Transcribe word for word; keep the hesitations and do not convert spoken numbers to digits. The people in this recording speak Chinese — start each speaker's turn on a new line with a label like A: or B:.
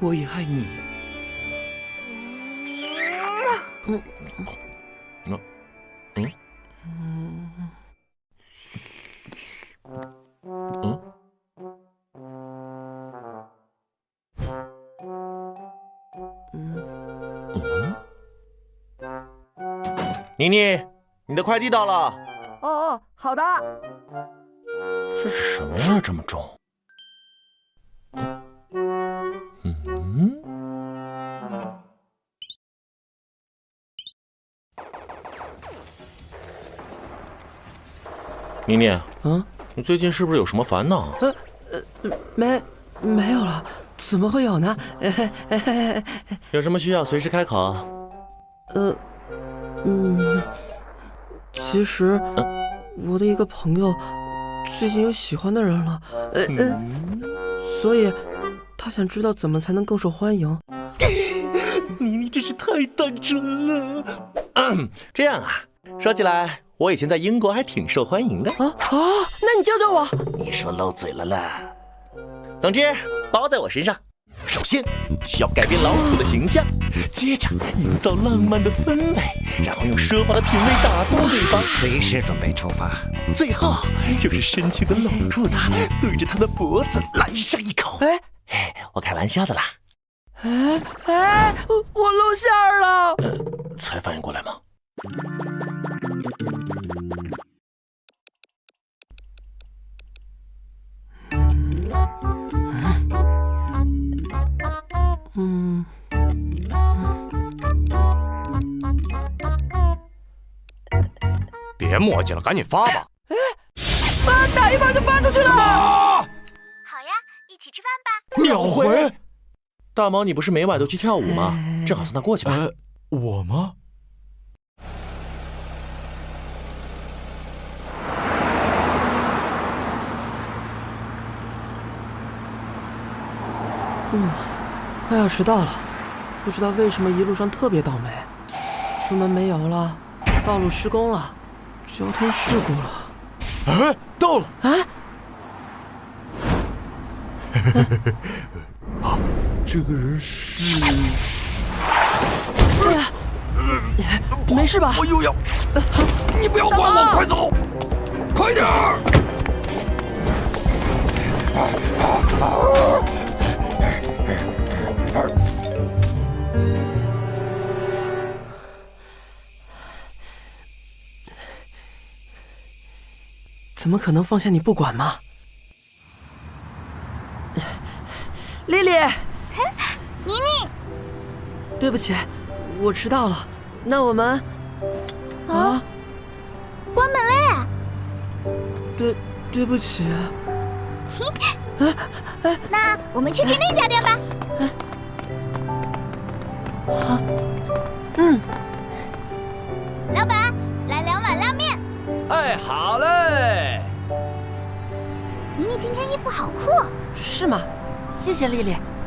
A: 我也爱你。嗯
B: 嗯嗯嗯嗯嗯。妮妮，你的快递到了。
C: 哦哦，好的。
B: 这是什么呀？这么重？嗯。妮妮，
A: 嗯，
B: 你最近是不是有什么烦恼？
A: 呃呃，没没有了，怎么会有呢？
B: 有什么需要随时开口。
A: 呃，嗯，其实我的一个朋友最近有喜欢的人了，呃呃，所以他想知道怎么才能更受欢迎。
B: 妮妮真是太单纯了。嗯，这样啊，说起来，我以前在英国还挺受欢迎的。
A: 啊啊，那你教教我。
B: 你说漏嘴了啦。总之，包在我身上。首先需要改变老土的形象，接着营造浪漫的氛围，然后用奢华的品味打动对方，
D: 随时准备出发。
B: 最后就是深情地搂住他，对着他的脖子来上一口。哎，我开玩笑的啦。
A: 哎哎，我露馅儿了。
B: 呃，才反应过来吗？
A: 嗯。
E: 别磨叽了，赶紧发吧！
A: 哎，发打一半就发出去了。
F: 好呀，一起吃饭吧。
E: 秒回。
B: 大毛，你不是每晚都去跳舞吗？正好送他过去吧。
E: 呃，我吗？
A: 嗯，快要迟到了，不知道为什么一路上特别倒霉，出门没油了，道路施工了，交通事故了。
E: 哎，到了！
A: 啊！
E: 啊，这个人是……
A: 对呀，没事吧？
E: 我又要……你不要管我，快走，快点儿！
A: 怎么可能放下你不管吗？丽丽，
F: 妮妮，
A: 对不起，我迟到了。那我们啊，
F: 关门了耶！
A: 对，对不起。
F: 那我们去吃那家店吧。
A: 啊，嗯。
F: 老板，来两碗拉面。
E: 哎，好嘞。
F: 妮妮今天衣服好酷。
A: 是吗？谢谢丽丽。